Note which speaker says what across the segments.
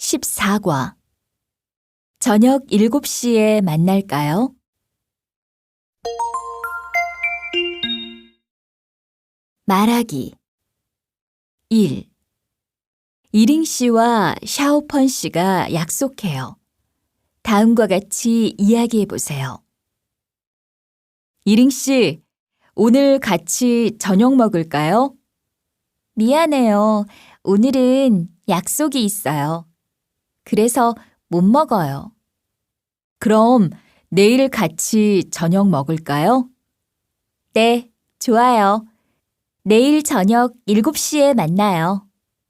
Speaker 1: 14과 저녁 7시에 만날까요? 말하기 1. 이링 씨와 샤오펀 씨가 약속해요. 다음과 같이 이야기해 보세요. 이링 씨, 오늘 같이 저녁 먹을까요? 미안해요. 오늘은 약속이 있어요. 그래서 못 먹어요. 그럼 내일 같이 저녁 먹을까요? 네, 좋아요. 내일 저녁 7시에 만나요.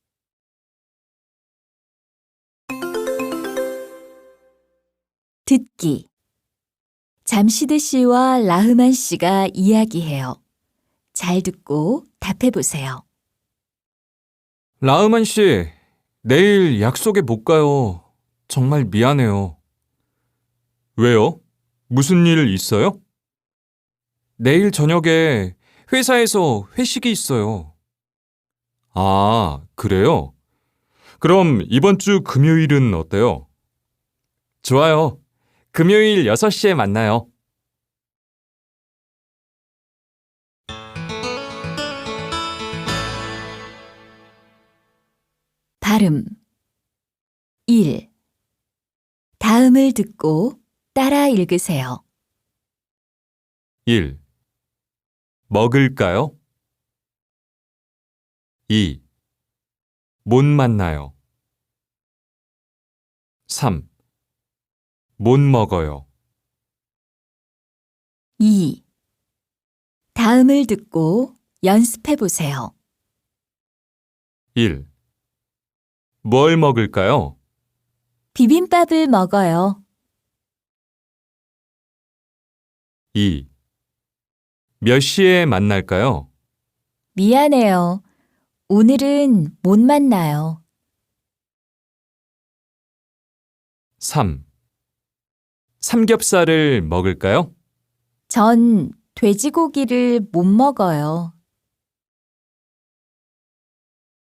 Speaker 1: 듣기. 잠시드 씨와 라흐만 씨가 이야기해요. 잘 듣고 답해 보세요.
Speaker 2: 라흐만 씨, 내일 약속에 못 가요. 정말 미안해요. 왜요? 무슨 일 있어요? 내일 저녁에 회사에서 회식이 있어요. 아, 그래요? 그럼 이번 주 금요일은 어때요? 좋아요. 금요일 6시에 만나요.
Speaker 1: 발음 1. 다음을 듣고 따라 읽으세요.
Speaker 2: 1. 먹을까요? 2. 못 만나요. 3. 못 먹어요.
Speaker 1: 2. 다음을 듣고 연습해 보세요.
Speaker 2: 1. 뭘 먹을까요?
Speaker 1: 비빔밥을 먹어요.
Speaker 2: 2. 몇 시에 만날까요?
Speaker 1: 미안해요. 오늘은 못 만나요.
Speaker 2: 3. 삼겹살을 먹을까요?
Speaker 1: 전 돼지고기를 못 먹어요.